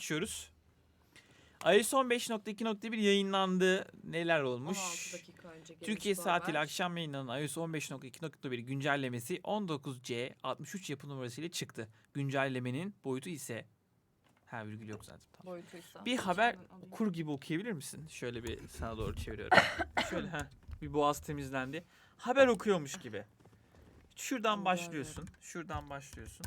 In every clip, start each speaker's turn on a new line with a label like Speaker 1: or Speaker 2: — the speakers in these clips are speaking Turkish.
Speaker 1: Geçiyoruz. iOS 15.2.1 yayınlandı. Neler olmuş?
Speaker 2: 16 dakika önce gelmiş
Speaker 1: Türkiye
Speaker 2: bu
Speaker 1: saatiyle
Speaker 2: haber.
Speaker 1: akşam yayınlanan iOS 15.2.1 güncellemesi 19C 63 yapı numarası ile çıktı. Güncellemenin boyutu ise virgül yok zaten. Tamam.
Speaker 2: Boyutuysa.
Speaker 1: Bir haber
Speaker 2: İçinden alayım.
Speaker 1: okur gibi okuyabilir misin? Şöyle bir sana doğru çeviriyorum. Şöyle bir boğaz temizlendi. Haber okuyormuş gibi. Şuradan
Speaker 2: Onu
Speaker 1: başlıyorsun. Şuradan başlıyorsun.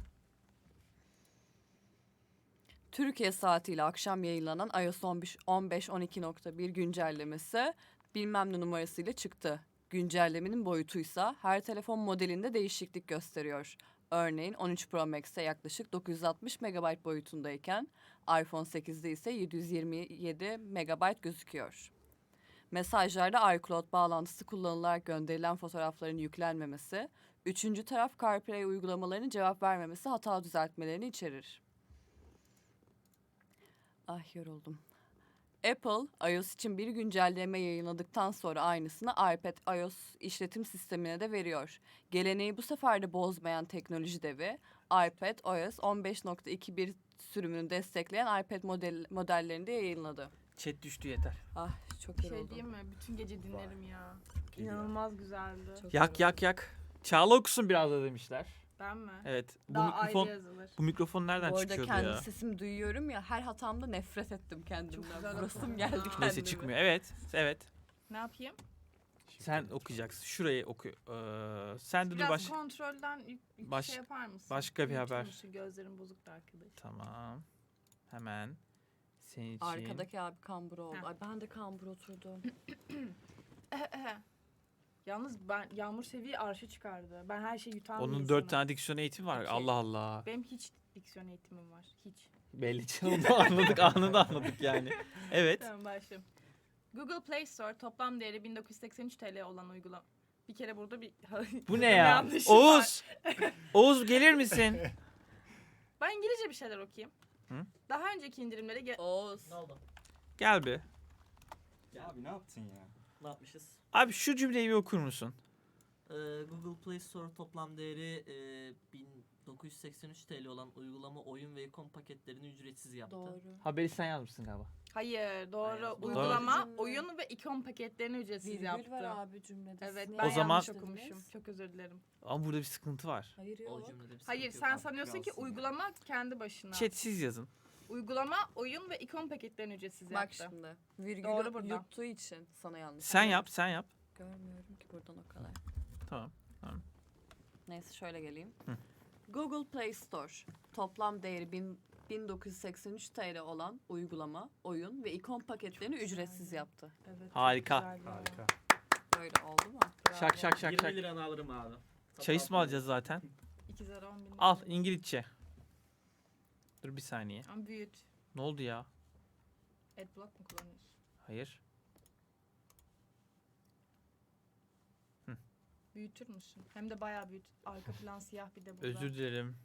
Speaker 2: Türkiye saatiyle akşam yayınlanan iOS 15.12.1 güncellemesi bilmem ne numarasıyla çıktı. Güncellemenin boyutuysa her telefon modelinde değişiklik gösteriyor. Örneğin 13 Pro Max'te yaklaşık 960 MB boyutundayken iPhone 8'de ise 727 MB gözüküyor. Mesajlarda iCloud bağlantısı kullanılarak gönderilen fotoğrafların yüklenmemesi, üçüncü taraf CarPlay uygulamalarının cevap vermemesi hata düzeltmelerini içerir. Ah yoruldum. Apple, iOS için bir güncelleme yayınladıktan sonra aynısını iPad iOS işletim sistemine de veriyor. Geleneği bu sefer de bozmayan teknoloji devi, iPad OS 15.2.1 sürümünü destekleyen iPad modellerini de yayınladı.
Speaker 1: Chat düştü yeter.
Speaker 2: Ah çok
Speaker 3: Bir şey
Speaker 2: yoruldum.
Speaker 3: diyeyim mi? Bütün gece dinlerim ya. İnanılmaz güzeldi.
Speaker 2: Çok
Speaker 1: Yak
Speaker 2: yoruldum.
Speaker 1: yak yak. Çağla okusun biraz da demişler.
Speaker 3: Ben mi?
Speaker 1: Evet. Bu
Speaker 3: Daha
Speaker 1: mikrofon
Speaker 3: ayrı yazılır.
Speaker 1: bu mikrofon nereden
Speaker 2: Bu arada
Speaker 1: çıkıyordu
Speaker 2: kendi
Speaker 1: ya?
Speaker 2: sesimi duyuyorum ya, her hatamda nefret ettim kendimden.
Speaker 3: güzel
Speaker 2: Burasım
Speaker 3: okudun
Speaker 2: geldi
Speaker 3: ya.
Speaker 2: kendime.
Speaker 1: Neyse çıkmıyor. Evet. Evet.
Speaker 3: Ne yapayım?
Speaker 1: Sen okuyacaksın. Şurayı oku. Sen de dur
Speaker 3: Biraz kontrolden
Speaker 1: baş-
Speaker 3: şey yapar mısın?
Speaker 1: başka bir
Speaker 3: Büyütür
Speaker 1: haber.
Speaker 3: müsün? Gözlerim bozuktu arkadaş.
Speaker 1: Tamam. Hemen. Senin için.
Speaker 2: Arkadaki abi kambur oldu.
Speaker 3: Heh.
Speaker 2: Ay ben de kambur oturdum.
Speaker 3: Yalnız ben Yağmur seviye arşa çıkardı. Ben her şeyi yutan bir
Speaker 1: Onun 4
Speaker 3: insanım.
Speaker 1: tane diksiyon eğitimi var.
Speaker 3: İki.
Speaker 1: Allah Allah.
Speaker 3: Benim hiç diksiyon eğitimim var. Hiç.
Speaker 1: Belli canım. Anladık. Anında anladık yani. Evet.
Speaker 3: Tamam başlayayım. Google Play Store toplam değeri 1983 TL olan uygulama. Bir kere burada bir
Speaker 1: Bu ne ya?
Speaker 3: yanlışım var.
Speaker 1: Oğuz. Oğuz gelir misin?
Speaker 3: Ben İngilizce bir şeyler okuyayım.
Speaker 1: Hı?
Speaker 3: Daha önceki indirimlere
Speaker 2: Oğuz.
Speaker 4: Ne oldu?
Speaker 1: Gel bir.
Speaker 4: Ya abi ne yaptın ya? Ne yapmışız?
Speaker 1: Abi şu cümleyi bir okur musun?
Speaker 4: Google Play Store toplam değeri 1983 TL olan uygulama, oyun ve ikon paketlerini ücretsiz yaptı.
Speaker 2: Doğru.
Speaker 1: Haberi sen yazmışsın galiba.
Speaker 3: Hayır doğru.
Speaker 4: Hayır, doğru.
Speaker 3: Uygulama,
Speaker 2: Doğru.
Speaker 3: oyun ve ikon paketlerini ücretsiz
Speaker 2: Virgül
Speaker 3: yaptı.
Speaker 2: var abi cümlede.
Speaker 3: Evet
Speaker 2: Siz
Speaker 3: ben
Speaker 2: niye
Speaker 1: O zaman-
Speaker 3: yanlış
Speaker 2: yanlış
Speaker 3: okumuşum.
Speaker 2: dediniz?
Speaker 3: Çok özür dilerim.
Speaker 1: Ama burada bir sıkıntı var.
Speaker 2: Hayır
Speaker 4: O
Speaker 2: yok.
Speaker 4: cümlede bir sıkıntı
Speaker 3: Hayır
Speaker 4: yok
Speaker 3: sen
Speaker 4: abi,
Speaker 3: sanıyorsun ki
Speaker 4: kralsın ya.
Speaker 3: uygulama kendi başına.
Speaker 1: Chat siz yazın.
Speaker 3: Uygulama, oyun ve ikon paketlerini ücretsiz
Speaker 2: Bak
Speaker 3: yaptı.
Speaker 2: şimdi. Virgülü
Speaker 3: Doğru burada.
Speaker 2: yuttuğu için sana yanlış.
Speaker 1: Sen
Speaker 2: anladım.
Speaker 1: yap, sen yap.
Speaker 2: Görmüyorum ki buradan o kadar.
Speaker 1: Tamam.
Speaker 2: Neyse şöyle geleyim.
Speaker 1: Hı.
Speaker 2: Google Play Store toplam değeri 1983 TL olan uygulama, oyun ve ikon paketlerini ücretsiz yaptı.
Speaker 3: Evet, çok
Speaker 1: Harika.
Speaker 3: güzel ya.
Speaker 4: Harika.
Speaker 2: Böyle oldu mu?
Speaker 3: Bravo.
Speaker 1: Şak şak şak
Speaker 4: 20
Speaker 1: şak.
Speaker 4: liranı alırım abi.
Speaker 1: Çay ısmarlayacağız zaten.
Speaker 3: 2 zara 10 bin lira.
Speaker 1: Al İngilizce. Dur bir saniye.
Speaker 3: Ama büyüt.
Speaker 1: Ne oldu ya?
Speaker 3: Adblock mu kullanıyorsun?
Speaker 1: Hayır.
Speaker 3: Büyütür müsün? Hem de bayağı büyüt. Arka plan siyah bir de burada.
Speaker 1: Özür dilerim.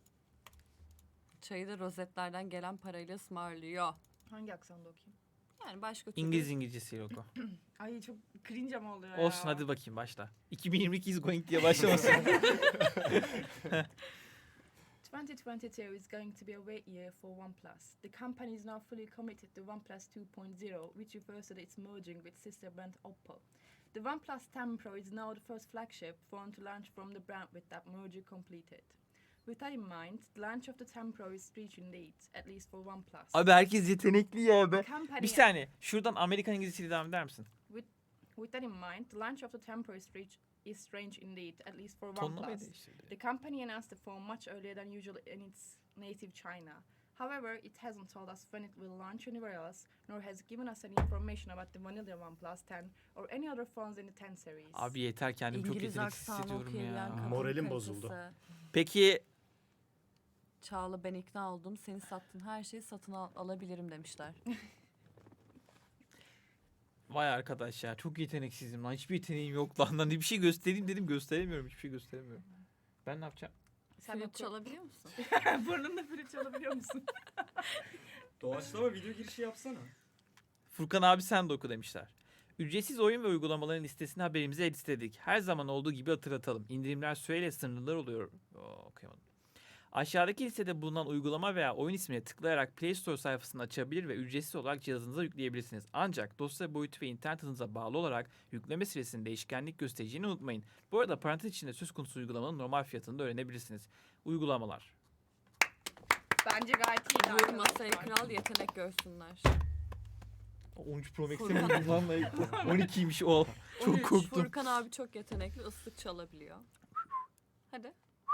Speaker 2: Çayı da rozetlerden gelen parayla ısmarlıyor.
Speaker 3: Hangi aksanda okuyayım?
Speaker 2: Yani başka türlü.
Speaker 1: İngilizcesiyle oku.
Speaker 3: Ay çok cringe ama oluyor ya.
Speaker 1: Olsun hadi bakayım başla. 2022 is going diye başlamasın.
Speaker 3: 2022 is going to be a great year for OnePlus. The company is now fully committed to OnePlus 2.0, which refers to its merging with sister brand Oppo. The OnePlus 10 Pro is now the first flagship phone to launch from the brand with that merger completed. With that in mind, the launch of the 10 Pro is reaching leads, at least for OnePlus.
Speaker 1: Abi herkes yetenekli ya be.
Speaker 3: The company,
Speaker 1: Bir saniye. Şuradan Amerikan İngilizcesiyle devam eder misin?
Speaker 3: with that in mind, the launch of the 10 Pro is strange indeed, at least for
Speaker 1: Tonlamayı
Speaker 3: OnePlus.
Speaker 1: değiştirdi.
Speaker 3: The company announced the phone much earlier than usual in its native China. However, it hasn't told us when it will launch anywhere else, nor has given us any information about the vanilla OnePlus 10 or any other phones in the 10 series.
Speaker 1: Abi yeter kendimi çok
Speaker 2: İngiliz
Speaker 1: yeteneksiz
Speaker 2: aksanı
Speaker 1: hissediyorum
Speaker 2: okuyabilen
Speaker 1: ya.
Speaker 2: kadın
Speaker 5: Moralim
Speaker 2: kalitesi.
Speaker 5: bozuldu.
Speaker 1: Peki
Speaker 2: Çağla ben ikna oldum. Seni sattın her şeyi satın alabilirim demişler.
Speaker 1: vay arkadaş ya çok yeteneksizim lan. Hiçbir yeteneğim yok lan. Lan bir şey göstereyim dedim gösteremiyorum. Hiçbir şey gösteremiyorum. Ben ne yapacağım?
Speaker 3: Sen
Speaker 2: Flüt
Speaker 3: oku.
Speaker 2: çalabiliyor musun?
Speaker 3: Burnunda flüt çalabiliyor musun?
Speaker 4: Doğaçlama video girişi yapsana.
Speaker 1: Furkan abi sen de oku demişler. Ücretsiz oyun ve uygulamaların listesini haberimize listedik. Her zaman olduğu gibi hatırlatalım. İndirimler süreyle sınırlılar oluyor. Okuyamadım. Aşağıdaki listede bulunan uygulama veya oyun ismine tıklayarak Play Store sayfasını açabilir ve ücretsiz olarak cihazınıza yükleyebilirsiniz. Ancak dosya boyutu ve internet hızınıza bağlı olarak yükleme süresinin değişkenlik göstereceğini unutmayın. Bu arada parantez içinde söz konusu uygulamanın normal fiyatını da öğrenebilirsiniz. Uygulamalar.
Speaker 3: Bence gayet iyi.
Speaker 2: Buyur masaya kral, yetenek görsünler.
Speaker 1: 13 Pro Max'e
Speaker 2: Furkan.
Speaker 1: mi lan? 12'ymiş o. Çok
Speaker 2: 13.
Speaker 1: korktum.
Speaker 2: Furkan abi çok yetenekli, ıslık çalabiliyor. Hadi.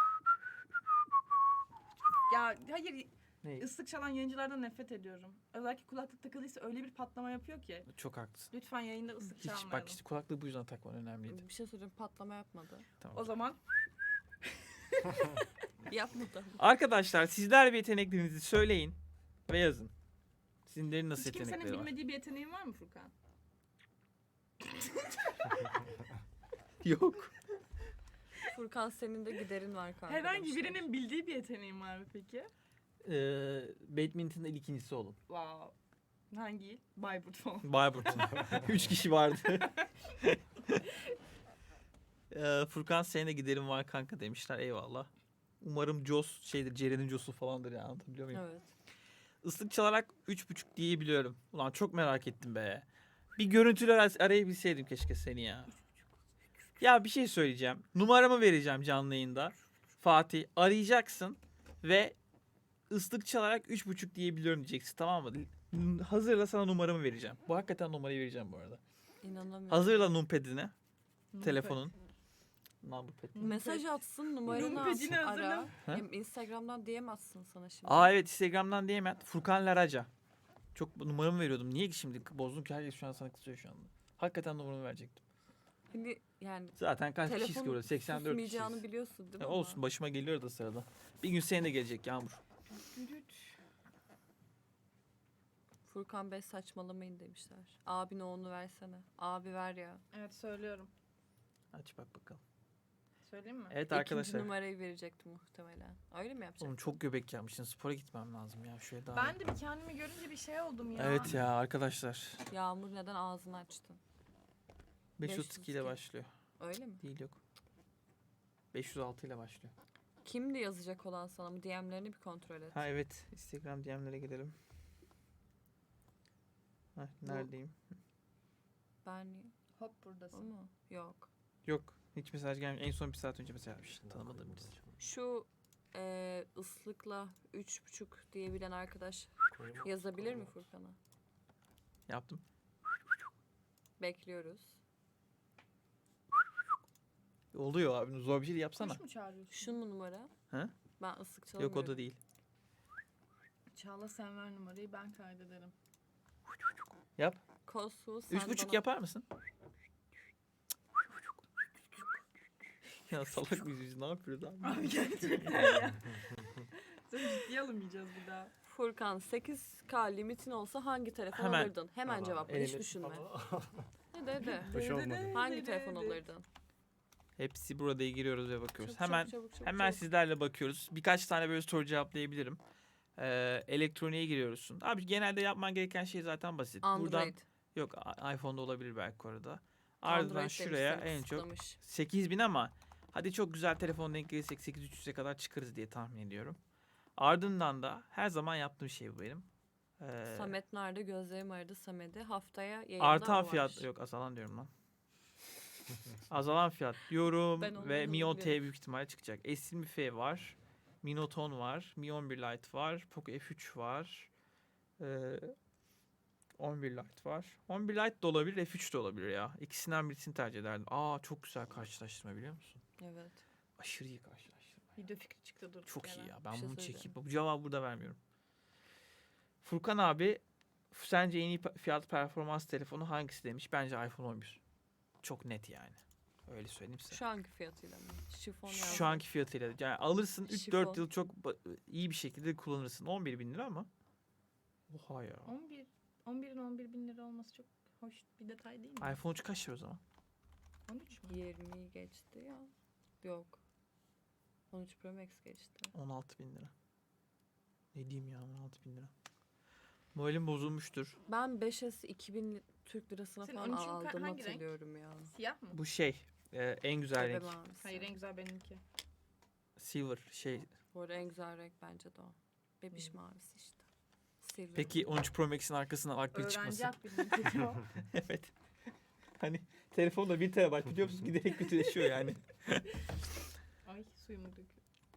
Speaker 3: Ya hayır,
Speaker 1: Ne?
Speaker 3: ıslık çalan yayıncılardan nefret ediyorum. Özellikle kulaklık takılıysa öyle bir patlama yapıyor ki.
Speaker 1: Çok haklısın.
Speaker 3: Lütfen yayında ıslık
Speaker 1: Hiç
Speaker 3: çalmayalım.
Speaker 1: bak işte kulaklığı bu yüzden takman önemliydi.
Speaker 2: Bir şey söyleyeyim, patlama yapmadı.
Speaker 1: Tamam.
Speaker 3: O zaman
Speaker 2: Yapmadı.
Speaker 1: Arkadaşlar sizler bir yeteneklerinizi söyleyin ve yazın. Sizlerin nasıl
Speaker 3: hiç kimsenin
Speaker 1: yetenekleri var?
Speaker 3: bilmediği bir yeteneğin var mı Furkan?
Speaker 1: Yok.
Speaker 2: Furkan senin de giderin var kanka.
Speaker 3: Herhangi
Speaker 2: demişler.
Speaker 3: birinin bildiği bir yeteneğin var mı peki?
Speaker 1: Badminton'da ikincisi olun.
Speaker 3: Wow. Hangi il? Bayburt falan.
Speaker 1: Bayburt'un. 3 kişi vardı. Furkan senin de giderim var kanka demişler. Eyvallah. Umarım Jos şeydir, Ceren'in Jos'u falandır ya, anlatabiliyor muyum?
Speaker 2: Evet.
Speaker 1: Islık çalarak 3.5 diyebiliyorum. Ulan çok merak ettim be. Bir görüntüler arayabilseydim keşke seni ya. Ya bir şey söyleyeceğim. Numaramı vereceğim canlı yayında. Fatih arayacaksın ve ıslık çalarak 3.5 diyebiliyorum diyeceksin, tamam mı? Hazırla, sana numaramı vereceğim. Bu hakikaten numarayı vereceğim bu arada.
Speaker 2: İnanamıyorum.
Speaker 1: Hazırla numpad'ini. Telefonun. Numpad.
Speaker 2: Mesaj atsın, numaranı
Speaker 3: Numpedini
Speaker 2: ara.
Speaker 3: hazırla.
Speaker 1: Ha?
Speaker 2: Hem Instagram'dan DM atsın sana şimdi.
Speaker 1: Aa evet, Instagram'dan diyemem. Furkan Laraca. Çok numaramı veriyordum. Niye ki şimdi bozdum ki, herkes şu an sana kızıyor şu anda. Hakikaten numaramı verecektim.
Speaker 2: Hani yani
Speaker 1: Zaten kaç kişiyiz ki
Speaker 2: telefon
Speaker 1: burada? 84
Speaker 2: susmayacağını
Speaker 1: kişiyiz.
Speaker 2: biliyorsun değil mi?
Speaker 1: Ya
Speaker 2: ama?
Speaker 1: olsun, başıma geliyor da sırada. Bir gün senin de gelecek Yağmur.
Speaker 2: Furkan Bey saçmalamayın demişler. Abine onu versene. Abi ver ya.
Speaker 3: Evet söylüyorum.
Speaker 1: Aç bak bakalım.
Speaker 3: Söyleyeyim mi?
Speaker 1: Evet
Speaker 2: İkinci
Speaker 1: arkadaşlar.
Speaker 2: numarayı verecekti muhtemelen. Öyle mi yapacak?
Speaker 1: Oğlum çok göbek yapmışsın. Spora gitmem lazım ya. Şöyle daha.
Speaker 3: Ben de bir kendimi görünce bir şey oldum ya.
Speaker 1: Evet ya arkadaşlar.
Speaker 2: Yağmur neden ağzını açtın?
Speaker 1: 532 ile
Speaker 2: 532.
Speaker 1: başlıyor.
Speaker 2: Öyle mi?
Speaker 1: Değil, yok. 506 ile başlıyor.
Speaker 2: Kimdi yazacak olan sana mı? DM'lerini bir kontrol et.
Speaker 1: Ha evet. Instagram DM'lere gidelim. Ha, neredeyim?
Speaker 2: Ben
Speaker 3: Hop
Speaker 2: o
Speaker 3: buradasın.
Speaker 2: mu? Yok.
Speaker 1: Yok. Hiç mesaj gelmiyor. En son bir saat önce mesaj yapmış. Tanımadığım birisi.
Speaker 2: Şu ıslıkla 3.5 diyebilen arkadaş yazabilir mi Furkan'a?
Speaker 1: Yaptım.
Speaker 2: Bekliyoruz.
Speaker 1: Oluyor abi. Zor bir şey yapsana.
Speaker 3: Kuş mu çağırıyorsun?
Speaker 2: Şu mu numara?
Speaker 1: He?
Speaker 2: Ben ıslık
Speaker 1: Yok
Speaker 2: çalamıyorum.
Speaker 1: o da değil.
Speaker 3: Çağla sen ver numarayı, ben kaydederim.
Speaker 1: Yap.
Speaker 2: Kosu sen
Speaker 1: 3.5
Speaker 2: bana-
Speaker 1: yapar mısın? Ya salak mıyız biz? Ne yapıyoruz abi?
Speaker 3: Abi gerçekten ya. Seni ciddiye alamayacağız bir daha.
Speaker 2: Furkan 8K limitin olsa hangi telefon
Speaker 1: Hemen.
Speaker 2: alırdın? Hemen
Speaker 5: Tamam.
Speaker 2: cevapla, hiç
Speaker 1: Evet.
Speaker 2: düşünme. Hadi hadi.
Speaker 5: Hoş olmadı.
Speaker 2: Hangi telefon alırdın?
Speaker 1: Hepsi burada giriyoruz ve bakıyoruz.
Speaker 2: Çabuk,
Speaker 1: Hemen
Speaker 2: çabuk, çabuk,
Speaker 1: hemen
Speaker 2: çabuk.
Speaker 1: sizlerle bakıyoruz. Birkaç tane böyle soru cevaplayabilirim. Elektroniğe giriyorsun. Abi genelde yapman gereken şey zaten basit.
Speaker 2: Android.
Speaker 1: Buradan yok, iPhone'da olabilir belki orada. Ardından
Speaker 2: Android
Speaker 1: şuraya
Speaker 2: demişler,
Speaker 1: en çok
Speaker 2: kısıtlamış.
Speaker 1: 8000, ama hadi çok güzel telefon denk gelirsek 8300'e kadar çıkarız diye tahmin ediyorum. Ardından da her zaman yaptığım şey bu benim.
Speaker 2: Samet nerede? Gözlerim aradı Samet'i. Haftaya yayında
Speaker 1: Artan
Speaker 2: mı
Speaker 1: fiyat
Speaker 2: var?
Speaker 1: yok, azalan diyorum lan. Azalan fiyat diyorum
Speaker 2: Ben onu
Speaker 1: ve Mi 10T
Speaker 2: biliyorum.
Speaker 1: büyük ihtimalle çıkacak. S20 F var. Mi Note 10 var. Mi 11 Lite var. Poco F3 var. 11 Lite var. 11 Lite de olabilir, F3 de olabilir ya. İkisinden birisini tercih ederdim. Aa çok güzel karşılaştırma, biliyor musun?
Speaker 2: Evet.
Speaker 1: Aşırı iyi karşılaştırma.
Speaker 3: Video fikri çıktı dur.
Speaker 1: Çok iyi ya.
Speaker 2: Bir
Speaker 1: Ben
Speaker 2: şey
Speaker 1: bunu
Speaker 2: söyleyeceğim.
Speaker 1: çekip bu cevabı burada vermiyorum. Furkan abi sence en iyi fiyat performans telefonu hangisi demiş? Bence iPhone 11. Çok net yani. Öyle söyleyeyim size.
Speaker 2: Şu anki fiyatıyla mı? Şifon yazdı.
Speaker 1: Şu anki fiyatıyla. Yani alırsın 3-4
Speaker 2: Şifon.
Speaker 1: yıl çok iyi bir şekilde kullanırsın. 11 bin lira ama. Oha ya.
Speaker 3: 11'in 11 bin lira olması çok hoş bir detay değil mi?
Speaker 1: iPhone 3 kaç lira o zaman?
Speaker 3: 13 mü?
Speaker 2: 20'yi geçti ya. Yok. 13 Pro Max geçti.
Speaker 1: 16 bin lira. Ne diyeyim ya, 16 bin lira. Moralim bozulmuştur.
Speaker 2: Ben 5S 2000 Türk lirasına
Speaker 3: Senin
Speaker 2: falan
Speaker 3: 13'ün
Speaker 2: aldığımı
Speaker 3: hangi renk?
Speaker 2: hatırlıyorum ya.
Speaker 3: Siyah mı?
Speaker 1: Bu şey en güzel
Speaker 2: Bebe
Speaker 1: renk.
Speaker 2: mavisi.
Speaker 3: Hayır en güzel benimki.
Speaker 1: Silver şey
Speaker 2: Bu arada en güzel renk bence de o. Bebiş mavisi işte. Silver.
Speaker 1: Peki 13 Pro Max'in arkasından akbil çıkması.
Speaker 3: Öğrenci akbilini o.
Speaker 1: Evet. Hani telefonda 1 TB biliyor musunuz? Giderek kötüleşiyor yani.
Speaker 3: Ay suyumu döküyor.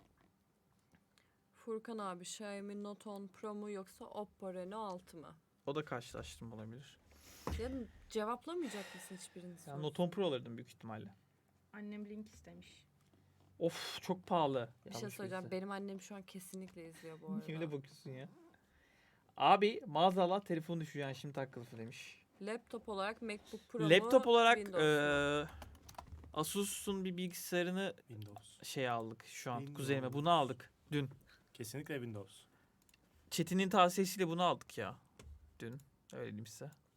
Speaker 2: Furkan abi Xiaomi Note 10 Pro mu yoksa Oppo Reno 6 mı?
Speaker 1: O da karşılaştırma olabilir.
Speaker 2: Ya cevaplamayacak mısın hiçbirini?
Speaker 1: Yani Note 10 Pro alırdım büyük ihtimalle.
Speaker 3: Annem link istemiş.
Speaker 1: Of çok pahalı.
Speaker 2: Bir şey söyleyeceğim. Benim annem şu an kesinlikle izliyor bu arada.
Speaker 1: Niye öyle bakıyorsun ya? Abi maazallah telefon düşüyor yani şimdi takılısı demiş.
Speaker 2: Laptop olarak MacBook Pro mu?
Speaker 1: Laptop olarak
Speaker 2: Windows mu?
Speaker 1: Asus'un bir bilgisayarını
Speaker 5: Windows.
Speaker 1: aldık şu an
Speaker 5: Windows.
Speaker 1: kuzeyime. Bunu aldık dün.
Speaker 5: Kesinlikle Windows.
Speaker 1: Çetin'in tavsiyesiyle bunu aldık ya. Dün. Öyle diyeyim size.